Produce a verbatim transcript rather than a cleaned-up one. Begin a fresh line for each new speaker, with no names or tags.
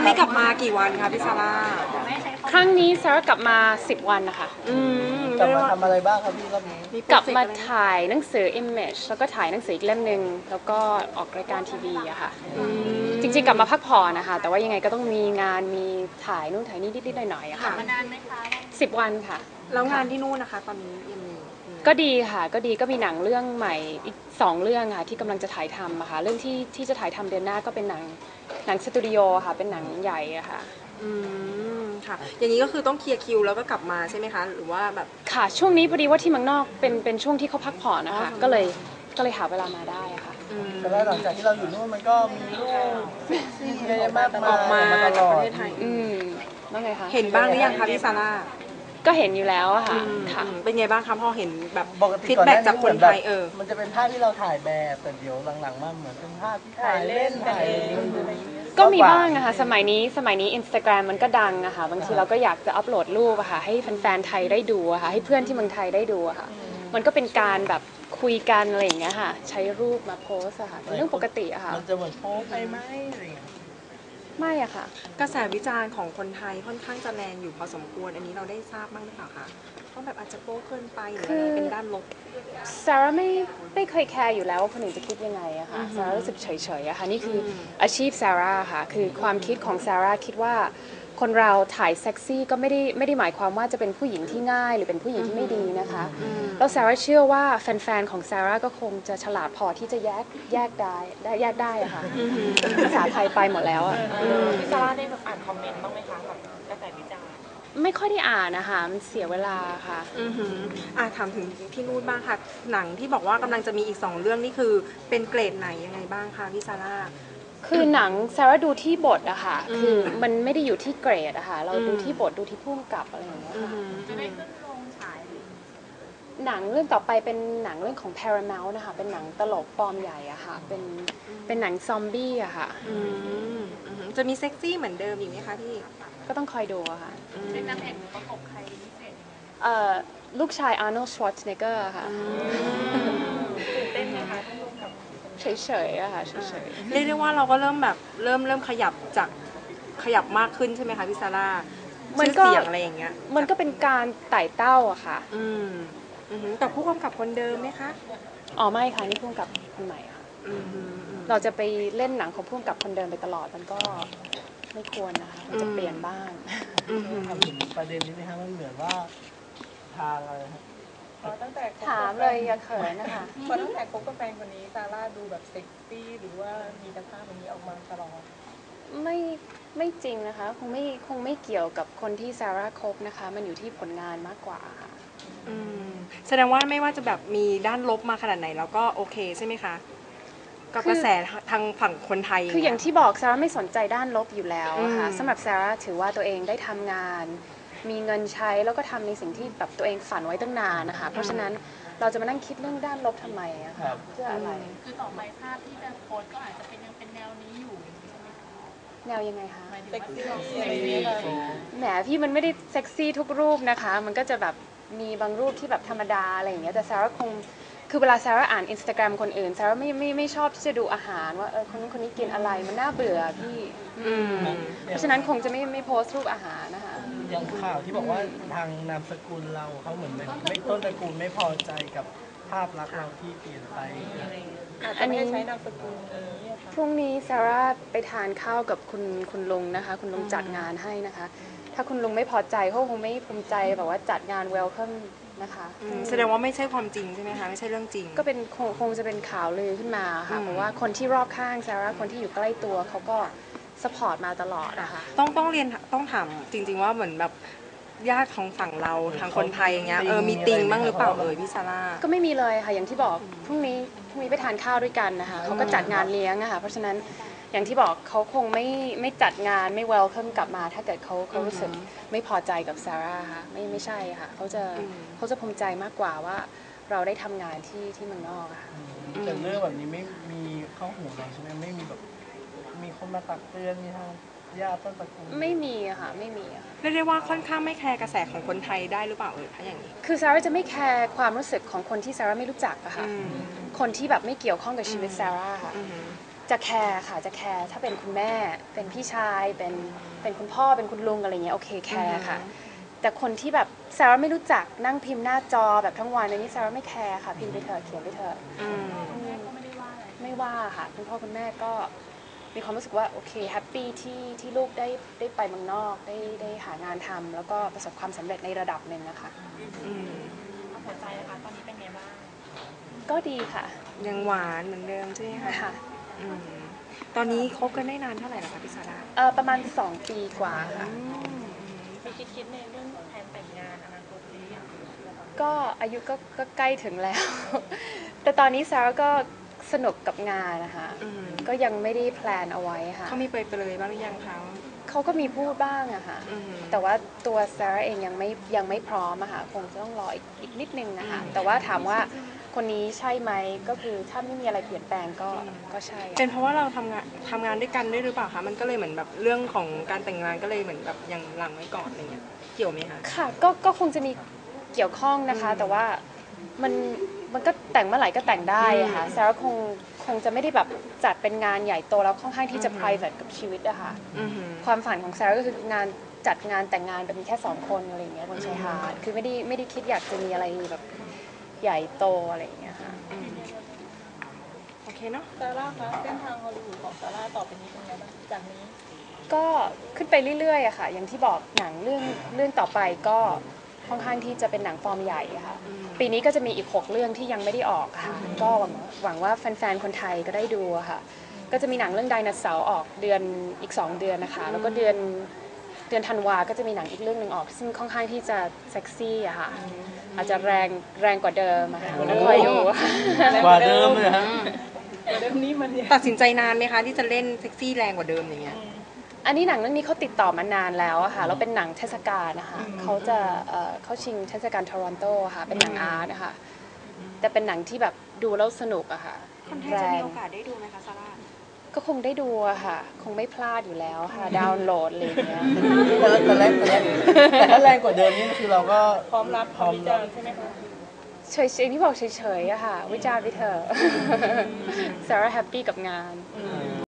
นี้กลับมากี่วันคะพี่ซาร่า
ครั้งนี้ซาร่ากลับมาสิบวันนะคะ
กลับมาทำอะไรบ้างครับพี่รอบนี้
กลับมาถ่ายหนังสือ Image แล้วก็ถ่ายหนังสืออีกเล่มหนึ่งแล้วก็ออกรายการทีวีอะค่ะจริงๆกลับมาพักผ่อนนะคะแต่ว่ายังไงก็ต้องมีงานมีถ่ายนู่นถ่ายนี่นิดๆหน่อยๆอะค่ะ
มานานไหมคะ
สิบวันค่ะ
แล้วงานที่นู่นนะคะตอนนี้ยังมี
ก็ดีค่ะก็ดีก็มีหนังเรื่องใหม่อีกสองเรื่องค่ะที่กำลังจะถ่ายทำอะค่ะเรื่องที่ที่จะถ่ายทำเดือนหน้าก็เป็นหนังหนังสตูดิโอค่ะเป็นหนังใหญ่อะค่ะ
อืมค่ะอย่างนี้ก็คือต้องเคลียร์คิวแล้วก็กลับมาใช่ไหมคะหรือว่าแบบ
ค่ะช่วงนี้พอดีว่าที่เมืองนอกเป็นเป็นช่วงที่เขาพักผ่อนนะคะก็เลยก็เลยหาเวลามาได้ค่ะ
แต่ว่าหลังจากที่เราอยู่นู่นมันก็มีรูปซี่เยอะมาก
ออกมาจากประเทศไทย
อืมว่าไงคะ
เห็นบ้างหรือยังคะพี่ซาร่า
ก็เห็นอยู่แล้วอะค่ะค่ะ
เป็นไงบ้างคะพอเห็นแบบฟีดแบ็กจากคนไทยเออ
มันจะเป็นภาพที่เราถ่ายแบบแต่เดี๋ยวหลังๆมาเหมือนเป็นภาพที่ถ่ายเล่นถ่าย
ก็มีบ้างอะค่ะสมัยนี้สมัยนี้ Instagram มันก็ดังอะค่ะบางทีเราก็อยากจะอัปโหลดรูปอะค่ะให้แฟนๆไทยได้ดูอะค่ะให้เพื่อนที่เมืองไทยได้ดูอะค่ะมันก็เป็นการแบบคุยกันอะไรอย่างเงี้ยค่ะใช้รูปมาโพสอะค่ะเป็นเรื่องปกติอะค่ะ
มันจะเหมือนโพสไปไหมอะไรอย่างเงี้ย
ไม่อะค่ะ
กระแสวิจารณ์ของคนไทยค่อนข้างจะแรงอยู่พอสมควรอันนี้เราได้ทราบบ้างหรือเปล่าคะว่าแบบอาจจะโป๊เกินไปหรืออะไรเป็นด้านลบ
ซาร่าไม่ไม่เคยแคร์อยู่แล้วว่าคนอื่นจะคิดยังไงอะค่ะซาร่ารู้สึกเฉยๆอะค่ะนี่คืออาชีพซาร่าค่ะคือความคิดของซาร่าคิดว่าคนเราถ่ายเซ็กซี่ก็ไม่ได้ไม่ได้หมายความว่าจะเป็นผู้หญิงที่ง่ายหรือเป็นผู้หญิงที่ไม่ดีนะคะแล้วซาร่าเชื่อว่าแฟนๆของซาร่าก็คงจะฉลาดพอที่จะแยกแยกได้ได้แยกได้อะค่ะภาษาไทยไปหมดแล้วอะ
พี่ซาร่าได้แบบอ่านคอมเมนต์บ้างไหมคะแบบกระแสวิจารณ์
ไม่ค่อยได้อ่านนะคะมันเสียเวลาค่ะ
อือหืออ่ะถามถึงพี่นูดบ้างค่ะหนังที่บอกว่ากำลังจะมีอีกสองเรื่องนี่คือเป็นเกรดไหนยังไงบ้างคะพี่ซาร่า
คือหนังซาร่าดูที่บทอะค่ะคือมันไม่ได้อยู่ที่เกรดอะค่ะเราดูที่บทดูที่พุ่มกับอะไรอย่างเงี้ยค่ะ
จะได้ขึ้นโรงฉาย
หนังเรื่องต่อไปเป็นหนังเรื่องของ Paramount นะคะเป็นหนังตลกฟอร์มใหญ่อะค่ะเป็นเป็นหนังซอมบี้อะค่ะ
จะมีเซ็กซี่เหมือนเดิมอีกไหมคะพี่
ก็ต้องคอยดูอะค่ะ
เป็นนางเอกประกบใครพิเศษ
เอ่อลูกชาย Arnold Schwarzenegger ค่ะ
ตื่นเต้นไหมคะต้องร่วมกับ
เฉยๆอะค่ะเฉย
ๆเรียกได้ว่าเราก็เริ่มแบบเริ่มเริ่มขยับจากขยับมากขึ้นใช่ไหมคะพี่ซาร่ามันก็เสียงอะไรอย่างเงี้ย
มันก็เป็นการไต่เต้าอะค่ะ
อืมกับผู้กำกับคนเดิมไหมคะ
อ๋อไม่ค่ะนี่ผู้กำกับคนใหม่ค่ะเราจะไปเล่นหนังของผู้กำกับคนเดิมไปตลอดมันก็ไม่ควรนะคะมันจะเปลี่ยนบ้าง
ทำถึงประเด็นนี้ไหมคะมันเหมือนว่าทางอะไรครับ
ตั้งแต่
ถามเลยอย่าเขินนะคะ
พอตั้งแต่คบกับแฟนคนนี้ซาร่าดูแบบเซ็กซี่หรือว่ามีสภาพแบบนี้ออกมาตลอด
ไม่ไม่จริงนะคะคงไม่คงไม่เกี่ยวกับคนที่ซาร่าคบนะคะมันอยู่ที่ผลงานมากกว่าค่ะ
แสดงว่าไม่ว่าจะแบบมีด้านลบมาขนาดไหนแล้วก็โอเคใช่ไหมคะกับกระแสทางฝั่งคนไทย
คืออย่างที่บอกซาร่าไม่สนใจด้านลบอยู่แล้วค่ะสำหรับซาร่าถือว่าตัวเองได้ทำงานมีเงินใช้แล้วก็ทำในสิ่งที่แบบตัวเองฝันไว้ตั้งนานนะคะเพราะฉะนั้นเราจะมานั่งคิดเรื่องด้านลบทำไมอะคะเพื่ออะไร
คือต่อไปภาพที่จะโพสก็อาจจะเป็นยังเป็นแนวนี้อยู่ใช่ไหมคะ
แนวยังไงคะ
เซ็กซี่
แหมพี่มันไม่ได้เซ็กซี่ทุกรูปนะคะมันก็จะแบบมีบางรูปที่แบบธรรมดาอะไรอย่างเงี้ยแต่ซาร่าคงคือเวลาซาร่าอ่านอินสตาแกรมคนอื่นซาร่าไม่ไม่ไม่ชอบที่จะดูอาหารว่าเออคนนู้นคนนี้กินอะไรมันน่าเบื่อพี่เพราะฉะนั้นคงจะไม่ไม่โพสต์รูปอาหารนะคะ
อย่างข่าวที่บอกว่าทางนามสกุลเราเขาเหมือนไม่ต้นตระกูลไม่พอใจกับภาพลักษณ์เราที่เปลี่ยนไป
อันนี้ใช้นามสกุล
พรุ่งนี้ซาร่าไปทานข้าวกับคุณคุณลุงนะคะคุณลุงจัดงานให้นะคะถ้าคุณลุงไม่พอใจเขาคงไม่ภูมิใจแบบว่าจัดงานเวลคัมนะคะ
แสดงว่าไม่ใช่ความจริงใช่ไหมคะไม่ใช่เรื่องจริง
ก็เป็นคงคงจะเป็นข่าวลือขึ้นมาค่ะเพราะว่าคนที่รอบข้างซาร่าคนที่อยู่ใกล้ตัวเขาก็สปอร์ตมาตลอดนะคะ
ต้องต้องเรียนต้องถามจริงๆว่าเหมือนแบบญาติของฝั่งเราทางคนไทยอย่างเงี้ยเออมีติงบ้างหรือเปล่าเอ่ยพี่ซาร่า
ก็ไม่มีเลยค่ะอย่างที่บอกพรุ่งนี้พรุ่งนี้ไปทานข้าวด้วยกันนะคะเขาก็จัดงานเลี้ยงอะค่ะเพราะฉะนั้นอย่างที่บอกเขาคงไม่ไม่จัดงานไม่เวลคัมกลับมาถ้าเกิดเขาเขารู้สึกไม่พอใจกับซาร่าค่ะไม่ไม่ใช่ค่ะเขาจะเขาจะภูมิใจมากกว่าว่าเราได้ทำงานที่ที่เมืองนอกค่ะ
แต่เรื่องแบบนี้ไม่มีเข้าหูเราใช่ไหมไม่มีแบบมีคนมาตักเตือนมีทางญาติต้นตระกูล
ไม่มีอะค่ะไม่มีอะ
เรียกได้ว่าค่อนข้างไม่แคร์กระแสของคนไทยได้หรือเปล่าเอ่ยถ้าอย่างนี้
คือซาร่าจะไม่แคร์ความรู้สึกของคนที่ซาร่าไม่รู้จักอะค่ะคนที่แบบไม่เกี่ยวข้องกับชีวิตซาร่าค่ะจะแคร์ค่ะจะแคร์ถ้าเป็นคุณแม่เป็นพี่ชายเป็นเป็นคุณพ่อเป็นคุณลุงอะไรเงี้ยโอเคแคร์ค่ะแต่คนที่แบบซาร่าไม่รู้จักนั่งพิมพ์หน้าจอแบบทั้งวันอันนี้ซาร่าไม่แคร์ค่ะพิมพ์ไปเถอะเขียนไปเถอะ
อืม
ไม่ว่าค่ะคุณพ่อคุณแม่ก็มีความรู้สึกว่าโอเคแฮปปี้ที่ที่ลูกได้ได้ไปเมืองนอกได้ได้หางานทำแล้วก็ประสบความสำเร็จในระดับหนึ่งนะคะ
อืม
หัวใจนะคะตอนนี้เป็นไงบ้าง
ก็ดีค่ะ
ยังหวานเหมือนเดิมใช่ไหมคะ
ค่ะ
อืมตอนนี้คบกันได้นานเท่าไหร่แล้วคะพี่ซาร่า
เออประมาณสองปีกว่าค่ะ
อืม
มีคิดคิดในเรื่องแผนแต่งงานอนาคตหรือยัง
ก็อายุก็ก็ใกล้ถึงแล้ว แต่ตอนนี้ซาร่าก็สนุกกับงานนะคะ
อืม
ก็ยังไม่ได้แพลนเอาไว้ค่ะ
เขามีไปไปเลยบ้างหรือยังคะ
เขาก็มีพูดบ้างอะค่ะ
อืม
แต่ว่าตัวซาร่าเองยังไม่ยังไม่พร้อมอะค่ะคงจะต้องรออีกอีกนิดนึงนะคะ
อืม
แต่ว่าถามว่าคนนี้ใช่ไหมก็คือถ้าไม่มีอะไรเปลี่ยนแปลงก็ก็ใช่อะ
เป็นเพราะว่าเราทำงานทำงานด้วยกันด้วยหรือเปล่าคะมันก็เลยเหมือนแบบเรื่องของการแต่งงานก็เลยเหมือนแบบยังหลังไว้ก่อนอะไรเงี้ยเกี่ยวไหมคะ
ค่ะก็ก็คงจะมีเกี่ยวข้องนะคะ
อืม
แต่ว่ามันมันก็แต่งเมื่อไหร่ก็แต่งได้อะค่ะ
อืม
ซาร่าคงคงจะไม่ได้แบบจัดเป็นงานใหญ่โตแล้วค่อนข้างที่จะ
อืม
private กับชีวิตอะค่ะ
อือหือ
ความฝันของซาร่าก็คืองานจัดงานแต่งงานเป็นแค่สองคนอะไรอย่างเงี้ยบนชายหาดคือไม่ได้ไม่ได้คิดอยากจะมีอะไรแบบใหญ่โตอะไรอย่างเงี้ยค่ะ
อืมโอเคเนาะ
ซาร่าคะเส้นทางฮอลลีวูดของซาร่าต่อไปนี้เป็นไงบ้างจากนี้
ก็ขึ้นไปเรื่อยๆอะค่ะ อย่างที่บอกหนังเรื่องเรื่องต่อไปก็ค่อนข้างที่จะเป็นหนังฟอร์มใหญ่อะค่ะ
อืม
ปีนี้ก็จะมีอีกหกเรื่องที่ยังไม่ได้ออกค่ะ ก็หวังว่าหวังว่าแฟนๆ คนไทยก็ได้ดูอะค่ะ ก็จะมีหนังเรื่องไดโนเสาร์ออกเดือนอีกสองเดือนนะคะ แล้วก็เดือนเดือนธันวาก็จะมีหนังอีกเรื่องหนึ่งออก ซึ่งค่อนข้างที่จะเซ็กซี่อะค่ะ อาจจะแรงแรงกว่าเดิมอะค่ะแล้วคอยดูค่ะ
กว่าเดิมเลยฮะ
เรื่องนี้มันเนี่ย
ตัดสินใจนานไหมคะที่จะเล่นเซ็กซี่แรงกว่าเดิมอย่างเงี้ย
อันนี้หนังเรื่องนี้เขาติดต่อมานานแล้วอะค่ะแล้วเป็นหนังเทศกาลนะคะเขาจะเอ่อเข้าชิงเทศกาลทอรอนโตอะค่ะเป็นหนังอาร์ตนะคะแต่เป็นหนังที่แบบดูแล้วสนุกอะค่ะ
คนไทยจะมีโอกาสได้ดูไหมคะซาร่า
ก็คงได้ดูอะค่ะ คงไม่พลาดอยู่แล้วค่ะ ดาวน์โหลดอะไรอย่างเงี้ย
แต่แต่แรกแต่แรกแต่ถ้าแรงกว่าเดิมนี่คือเราก็
พร้อมรับ
พร้อม
วิ
รั
จา
บ
รณ์ใช่ไหมคะ
เฉยๆที่บอกเฉยๆอะค่ะ วิจารณ์ไปเถอะ ซาร่าแฮปปี้กับงาน
อืม